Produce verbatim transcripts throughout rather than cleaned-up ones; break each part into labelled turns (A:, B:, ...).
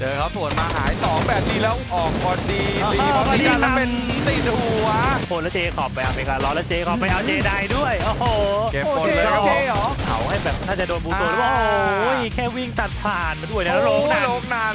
A: เจอเขาสวนมาหายสองแบบนี้แล้วออกพอดีรีพอดีกันแล้วเป็นติดหัว
B: โคนแล้วเจขอบไปอเมริการ้อนแล้วเจขอบไปเอาเจได้ด้วยโอ้โห
A: เก็บหมดเลยครับผม
B: เผาให้แบบน่าจะโดนบูโตหรือว่าโอ้ยแค่วิ่งตัดผ่านมาด้วยนะโลกนั้น
A: โลกนั้น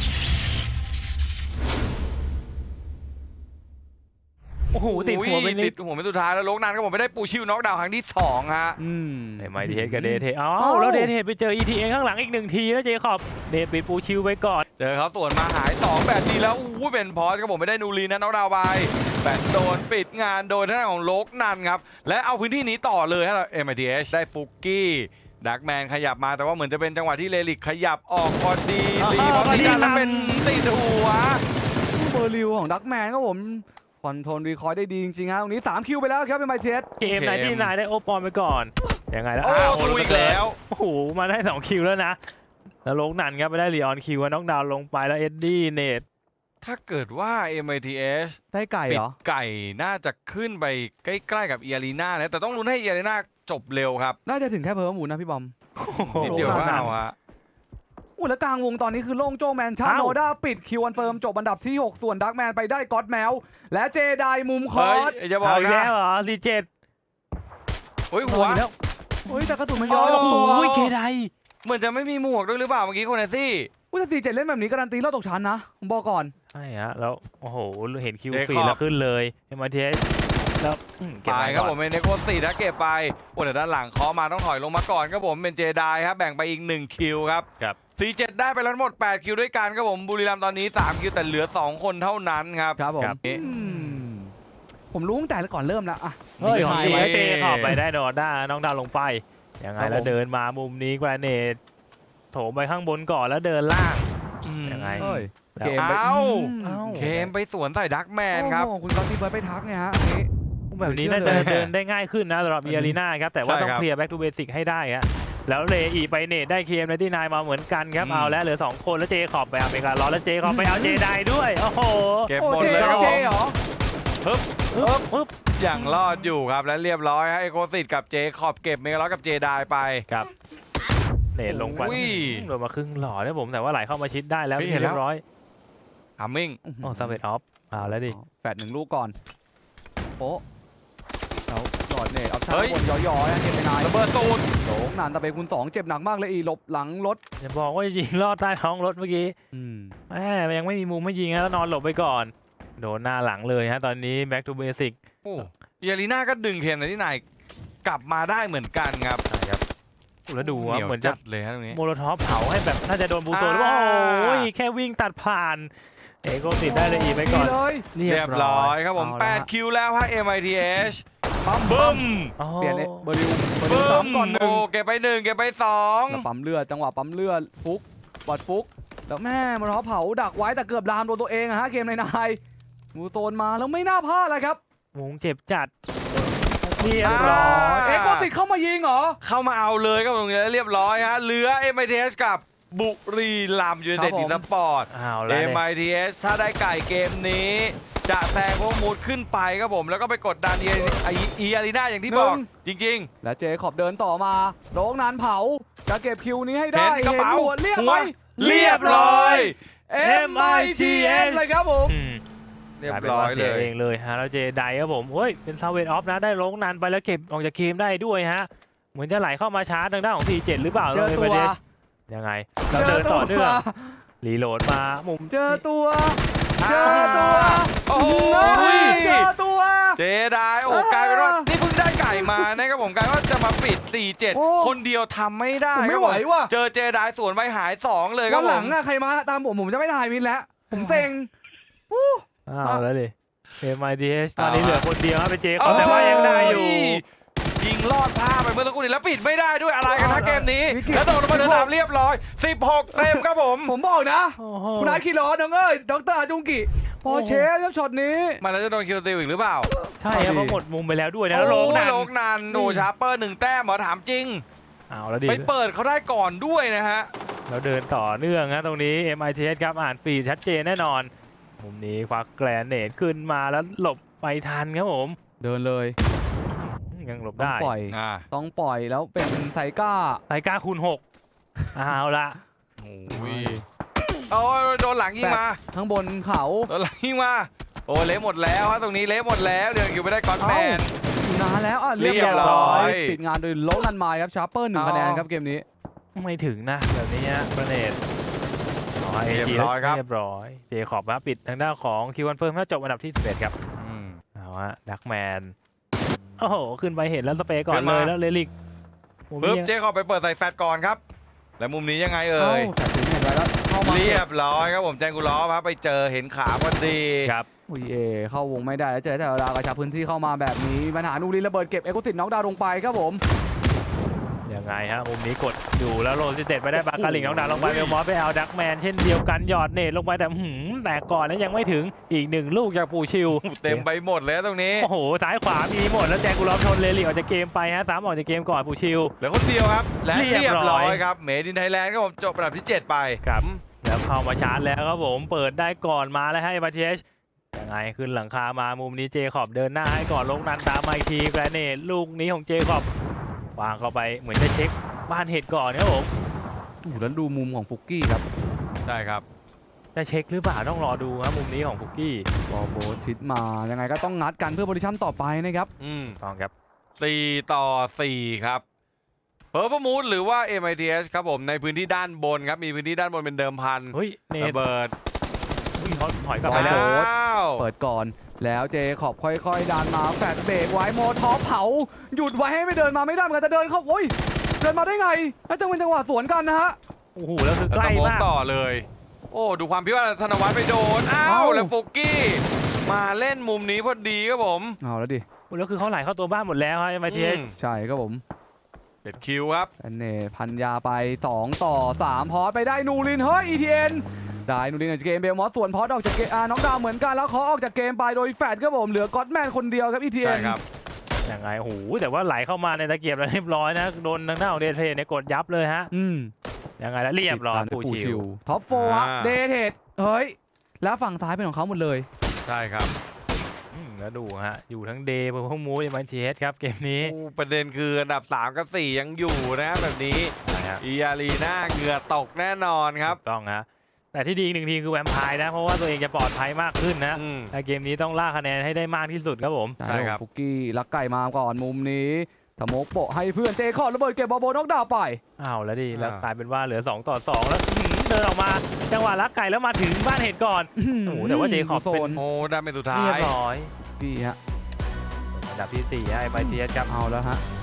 B: โอ้โหติดหัวไปนิ
A: ติ
B: ด
A: ดหัวเป็นสุดท้ายแล้วโลกนั้นก็ผมไม่ได้ปูชิวน็อกดาวน์ครั้งที่สองฮะ
C: อืม
B: ไอ้ไมดีเฮดกับเดทเทอ้าวแล้วเดทเทไปเจอ อี ที เอ ข้างหลังอีกหนึ่งทีแล้วเจขอบเดทปิดปูชิวไปก่อน
A: เจอเขาสวนมาหายสองแบบนี้แล้วอู้เป็นพอสก็ผมไม่ได้นูรีนะน็อกดาวน์ไปแบบโดนปิดงานโดยท่านของโลกนันครับและเอาพื้นที่นี้ต่อเลยฮะ เอ็ม ไอ ที เอช ได้ฟุกกี้ดักแมนขยับมาแต่ว่าเหมือนจะเป็นจังหวะที่เลลิกขยับออกพอดีรีพอดีกันแล้วเป็นติดหัว
C: เบอร์ลิวของดักแมนครับผมคอนโทรลรีคอยได้ดีจริงๆฮะตรงนี้สามคิวไปแล้วครับเป็นไมเชส
B: เกมไหนที่นายได้โอปอนไปก่อนยังไงแล้ว
A: โอ้
B: อ้าว
A: ตูอีกแล้ว
B: โอ้โหมาได้สองคิวแล้วนะแล้วโลกนันครับไปได้ลีออนคิวน็อกดาวน์ลงไปแล้วเอ็ดดี้เนท
A: ถ้าเกิดว่า เอ็ม ไอ ที เอช
C: ได้ไก่
A: ปิ
C: เหร
A: ด
C: อ
A: ไก่น่าจะขึ้นไปใกล้ๆกับเอียรีนานะแต่ต้องลุ้นให้เอียรีนาจบเร็วครับ
C: น่าจะถึงแค่เพิ่มหมูนะพี่บอม
A: นิดเดียวก็เอาฮะ
C: อู้แล้วกลางวงตอนนี้คือโล่งโจ้แมนชาโนด้าปิดคิวอันเฟิร์มจบอันดับที่หกส่วนดักแมนไปได้ก็อดแมวและเจไดมุมคอ
A: เฮ้ย
C: ร์ส
A: อย่าบอก
B: เอาอีก
A: นะ
B: แล้วเหรอรีเจต
A: เฮ้ยหัว
C: แล้วโอ้ยแต่กระสุนมันย้อย
A: โอ้
C: ลงตัว
B: โอ้ยเจได
A: เหมือนจะไม่มีหมวกด้วยหรือเปล่าเมื่อกี้คนเนซี่
C: อุ้ยแต่สี่เจ็ดเล่นแบบนี้การันตีเราตกชั้นนะผมบอกก่อน
B: ใช่ฮะแล้วโอ้โหเห็นคิว
A: เจ
B: ฟรี
A: คอบ
B: แล้วขึ้นเลยเอ็มไอทีเอสแล้วอืมเก็บ
A: ตาย
B: ไว้
A: ครับ
B: ก่อน
A: ผมเป็นเนโคสี่ถ้าเก็บไปโอ้แต่ด้านหลังเคาะมาต้องถอยลงมาก่อนครับผมเป็นเจไดครับแบ่งไปอีกหนึ่งคิวครับ
B: ครับ
A: สี่เจ็ดได้ไปแล้วทั้งหมดแปดคิวด้วยกันครับผมบุรีรัมย์ตอนนี้สามคิวแต่เหลือสองคนเท่านั้นครับ
C: ครับผม
B: ครับ
C: อืมผมรู้ตั้งแต่ก่อนเริ่มแล้วอะ
B: เฮ้ยของ
C: ไฮ
B: เจ
C: ไว้
B: เจขอบไปได้โดดด้าน้องดาวลงไปยังไง
C: ครับ
B: แล้ว
C: ผม
B: เดินมามุมนี้แกรเนตโถมไปข้างบนก่อนแล้วเดินล่าง
A: อืม
B: ยังไง
C: เอ้ย
B: แล้ว
C: เกมไป
A: เอ้า
C: ม
B: เอ้า
A: เคมไปสวนใส่ดักแมนครับ
C: โอ้โหคุณก๊อตตี้เบิร์ดไปทักไงฮะอันนี้
B: แบบนี้น่า
C: เชื่
B: จะ
C: อเลย
B: เดินได้ง่ายขึ้นนะสำหรับ
C: อัน
B: เอี
C: นี้
B: ยรีนาครับแต่ว่า
A: ใช่
B: ต้อง
A: ครับ
B: เคลียร์ back to basic ให้ได้ฮะแล้วเลอีไปเนตได้เคมในที่นายมาเหมือนกันครับ
A: อืม
B: เอาแล้วเหลือสองคนแล้วเจขอบไปอเมริการ้อนแล้วเจขอบไปเอาเจได้ด้วยโอ้โห
A: เก็บ
C: โอ้
A: หมด
C: เจ
A: เลยครับ
C: เจ
A: ผม
C: เหรอ
A: ฮึบ
B: ปึ๊บปึ๊บ
A: อย่างรอดอยู่ครับและเรียบร้อยฮะไอโคสิตกับเจขอบเก็บเมกาล็อกกับเจไดไป
B: ครับเนตลงไป
A: อุ้ย
B: โดนมาครึ่งหล่อนะผมแต่ว่าไหลเข้ามาชิดได้แล้ว
A: เฮ้ยเห็นแล้ว
B: เรียบร้อย
A: ฮัมมิง
B: โอ้ซาเวตออฟเอาแล้วดิ
C: แฟดหนึ่งลูกก่อนโป๊ะแล้วหลอดเนตเอาชา
A: เฮ้ย
C: บนย่อยๆนะเกมไปนาย
A: ระเบิดตูด
C: โหนานตะเปคุณสองเจ็บหนักมากเลยอีหลบหลังรถ
B: อย่าบอกว่ายิงลอดใต้ท้องรถเมื่อกี้
C: อืม
B: แหมยังไม่มีมุมให้ยิงนะแล้วนอนหลบไปก่อนโดนหน้าหลังเลยฮะตอนนี้ back to basic
A: โอ้เอียรีนาก็ดึงเคนในที่ไหนกลับมาได้เหมือนกันครับ
B: ใช่ครับแล้วดูว่า
A: เหนียว
B: เหมือนจะ
A: จัดเลยฮะตรงนี้
B: โมโลท็อปเผาให้แบบน่าจะโดนบูโตหรือว่า
A: อ่า
B: โอ้ยแค่วิ่งตัดผ่านเอโกติดได้เลยอีกไปก่อน
C: เลย
A: เรียบร้อยครับผม
C: เอาละ
A: แปดคิวแล้วฮะ เอ็ม ไอ ที เอช
C: ปั๊ม
A: บึ้ม
B: อ๋อ
C: เปลี่ยนเบอร์ลิวเบอร์ลิว
A: บึ้
C: สาม มก่อนหนึ่
A: โอ้
C: ง
A: เก็บไปหนึ่งเก็บไปสอง
C: แล้วปั๊มเลือดจังหวะปั๊มเลือดฟุกบอดฟุกแล้วแม่มันท้อเผาดักไว้แต่เกือบลามโดนตัวเองอะฮะเกมในนายมูโตนมาแล้วไม่น่าพลาดเลยครับ
B: วงเจ็บจัดเรียบร้อย
C: เอ็กโกติดเข้ามายิงเหรอ
A: เข้ามาเอาเลยครับตรงนี้เรียบร้อยฮะเหลือ เอ็ม ไอ ที เอช กับบุรีรัมย์ยูไนเต็ด
C: ครับผม
A: อีสปอร์ต
B: เอาแล้ว
A: เอ็ม
B: เนี่ย
A: ไอ ที เอช ถ้าได้ไก่เกมนี้ จะแซงพวกมูดขึ้นไปครับผมแล้วก็ไปกดดันเอีอารีนาอย่างที่บอกจริง
C: และเจขอบเดินต่อมาโรงนานเผาจะเก็บคิวนี้ให้ได้
A: เห็นกระเป๋า
C: หัวเรียบ
A: หั
C: ไห
A: ว
C: ม
A: ๆ เรียบร้อย
C: เอ็มไอทีเอสเลยครับผม
B: อืม
A: เรียบร้อย
B: กาป็นว่า
A: เล
B: สี
A: ย
B: เองเลยฮะแล้วเจไดครับผมเฮ้ยเป็นซาเวตออฟนะได้ลงนานไปแล้วเก็บออกจากเกมได้ด้วยฮะเหมือนจะไหลเข้ามาช้าทางด้านของ ที เจ็ด หรือเปล่า
C: เจอตัว
B: เลยยังไงเราเดินต่อเนื่องรีโหลดมามุม
C: เจอตัว
A: อ่า
C: เจอตัว
A: โอ้โห
C: เฮ้ยเจอตัว
A: เจไดโอ้กลายเป็นว่านี่เพิ่งได้ไก่มานะครับผมกลายว่าจะมาปิด สี่เจ็ด
C: โอ้
A: คนเดียวทำไม่ได้
C: ผม
A: ค
C: ไม่
A: รับ
C: ไหว
A: ผม
C: ว่ะ
A: เจอเจไดสวนไปหายสองเลยครั
C: วั
A: บ
C: น
A: ผ
C: หลั
A: ม
C: งอะใครมาตามผมผมจะไม่ถ่ายมินแล้ว ผมเซ็ง
B: อ้าวแล้วดิ เอ็ม ไอ ที เอช ตอนนี้
A: เอา
B: เหลือคนเดียวครับเป็นเจคอบแต่ว่ายังได้อยู่
A: ยิงลอดผ้าไปเมื่อสักครู่นี้แล้วปิดไม่ได้ด้วยอะไรกันนะเกมนี้
C: วิกฤต
A: แล้วตกลงมาเดินตามเรียบร้อยสิบหกเต็มครับผม
C: ผมบอกนะ
B: โอ้โห
C: คุณอาร์ตคิโรน้องเอ้ยดรอาจุงกิพอเชฟครับช็อตนี้
A: มันแล้วจะโดนคิวซิลอีกหรือเปล่า
B: ใช่ครับเพราะหมดมุมไปแล้วด้วยนะแล้วโลงนัน
A: โลกนันโอ้ชาร์เปอร์หนึ่งแต้มเหรอถามจริง
B: เอาแล้วดิ
A: ไปเปิดเขาได้ก่อนด้วยนะฮะ
B: แล้วเดินต่อเนื่องนะตรงนี้ เอ็ม ไอ ที เอช ครับอ่านฟีดชัดเจนแน่นอน มุมนี้ควักแกรนเนตขึ้นมาแล้วหลบไปทันครับผม
C: เดินเลย
B: ยังหลบ
C: ต้อง
B: ได้
C: ปล่อย
A: อ่า
C: ต้องปล่อยแล้วเป็นไซก้า
B: ไทก้าคูณหกเอาละ
A: โอ้ยโอ้ยโดนหลังยิงมา
C: ข้างบนเขา
A: โดนหลังยิงมาโอ้เละหมดแล้วฮะตรงนี้เละหมดแล้วเดี๋ยวอยู่ไม่ได้ก้อนแมน
C: อยู่นานแล้วอ่ะ
A: เรียบร้อย
C: ปิดงานโดยโลนันไมล์ครับชาร์เปอร์หนึ่ง
A: เอา
C: คะแนนครับเกมนี้
B: ไม่ถึงนะแบบนี้ฮะประเนตเอาให้
A: เรียบ
B: จี
A: ร้อยครับ
B: เรียบร้อยเจคอบครับปิดทางด้านของคิวคอนเฟิร์มถ้าจบอันดับที่สิบเอ็ดครับ
A: อืม
B: เอาฮะดักแมนโอ้โหขึ้นไปเห็นแล้วสเปรย์ก่อ
A: ขึ้
B: น
A: น
B: เล
A: มา
B: ยแล้วเลลิกมุม
A: ปึ๊บ
B: นี้
A: เจ๊ขอไปเปิดใส่แฟตก่อนครับและมุมนี้ยังไง
C: เอ้า
A: เอ่ย
C: แต่ถึงเห็นไว้แล้วเข้ามา
A: เรียบร้อยครับผมแจงกูล้อครับไปเจอเห็นขาพอดี
B: ครับ
C: อุ้ยเอเข้าวงไม่ได้แล้วเจอแต่ดาวกระชับพื้นที่เข้ามาแบบนี้มีปัญหานูรินระเบิดเก็บเอ็กซ์โคติดน็อกดาวน์ลงไปครับผม
B: ยังไงฮะมุมนี้กดอยู่แล้วโรซิเต็ดไปได้บาคาลิงน้องดาวลงไปเบลมอสไปเอาดักแมนเช่นเดียวกันหยอดเนตลงไปแต่หืมแต่ก่อนนั้นยังไม่ถึงอีกหนึ่งลูกจากปูชิว
A: เต็มไปหมดเลยตรงนี้
B: โอ้โหซ้ายขวามีหมดแล้วแจงกูล้อมชนเลลิกออกจากเกมไปฮะสามออกจากเกมก่อนปูชิว
A: เหลือคนเดียวครับและ
B: เรี
A: เรี
B: ย
A: ย
B: บบ ร้
A: ร้
B: อ
A: อย ยครับเมดินไทยแลนด์ครับผมจบอันดับที่เจ็ดไป
B: ครับแล้วเข้ามาชาร์จแล้วครับผมเปิดได้ก่อนมาแล้วให้มาเทชยังไงขึ้นหลังคามามุมนี้เจคอบเดินหน้าให้ก่อนลงนันตามมาอีกทีแกรเนตลูกนี้ของเจคอบวางเข้าไปเหมือนจะเช็คบ้านเห็ดก่อนครับผม
C: อู้แล้วดูมุมของฟุกกี้ครับ
A: ใช่ครับ
B: จะเช็คหรือเปล่าต้องรอดูครับมุมนี้ของฟุกกี้
C: บอลโบชิดมายังไงก็ต้องงัดกันเพื่อโพซิชั่นต่อไปนะครับ
A: อืม
B: ต้องครับ
A: สี่ต่อสี่ครับเพอร์พมูดหรือว่า เอ็ม ไอ ที เอส ครับผมในพื้นที่ด้านบนครับมีพื้นที่ด้านบนเป็นเดิมพัน
B: เฮ้ยเนต
A: ระเบิด
B: อุ้ยเขาถอยกลับไปแล้ว
C: โอ้โห
A: อ้าว
C: เปิดก่อนแล้วเจขอบค่อยๆดันมาแฟดเบรกไว้โมทอปเผาหยุดไว้ให้ไม่เดินมาไม่ได้เหมือนกันจะเดินเข้าโอ้ยเดินมาได้ไงแล้วจังเป็นจังหวะสวนกันนะฮะ
B: โอ้โหแล้วคือ
A: แล้ว
B: ใก
A: ส
B: ล้
A: โมก
B: มาก
A: ต่อเลย โอ้ดูความพิว่าธนวัฒน์ไปโดนอ้า
C: เอ้า
A: วแล้วฟุกกี้มาเล่นมุมนี้พอดีครับผม
C: เอาแล้วดิ
B: โอ้แล้วคือเขาไหลเข้าตัวบ้านหมดแล้วครับมาเทช
A: อืม
C: ใช่ครับผม
A: เด็ดคิวครับ
C: แอนเน่พันยาไปสองต่อสามพอสไปได้นูรินเฮ้ย อี ที เอ็น ได้นูรินออกจากเกมเบลมอสส่วนพอสออกจากเกมอ่าน้องดาวเหมือนกันแล้วเขาออกจากเกมไปโดยแฟดครับผมเหลือก็อตแมนคนเดียวครับ อี ที เอ็
A: ใช่
C: น
A: ครับ
B: ยังไงโอ้โหแต่ว่าไหลเข้ามาในตะเกียบแล้วเรียบร้อยนะโดนทางหน้าของเดเทเนี่ยกดยับเลยฮะ
C: อืม
B: ยังไงแล้วเรียบร้อยปูชิว
C: ท็อปโฟร์
A: อ่า
C: เดเทดเฮ้ยแล้วฝั่งซ้ายเป็นของเขาหมดเลย
A: ใช่ครับ
B: อืมแล้วดูฮะอยู่ทั้งเดย์พวกมูดมาเทสครับเกมนี้
A: โอ้ประเด็นคืออันดับสามกับสี่ยังอยู่นะแบบนี้
B: นะฮะ
A: อีอารีน่าเหงื่อตกแน่นอนครับ
B: ถูกต้องฮะแต่ที่ดีอีกหนึ่งทีมคือแวมไพร์นะเพราะว่าตัวเองจะปลอดภัยมากขึ้นนะ
A: อืม
B: แต่เกมนี้ต้องล่าคะแนนให้ได้มากที่สุดครับผม
A: ใช่ครับ
C: ฟุกกี้ลักไก่มาก่อนมุมนี้ทโมกโปะให้เพื่อนเจคอบระเบิดเก็บบอลโบนอกดาวไป
B: อ้าวแล้วดิ
A: อ่า
B: แล้วกลายเป็นว่าเหลือสองต่อสองแล้วอื้อหือเดินออกมาจังหวะลักไก่แล้วมาถึงบ้านเห็ดก่อน โอ้โหแต่ว่าเจคอบ
C: โซ
B: เป็น
C: น
A: โอ้ได้เป็นสุดท้า
B: เรียบ
A: ย
B: ร้อย
C: พี่ฮะ
B: อันดับที่สี่ให้ไมเทียสครับ
C: เอาแล้วฮะ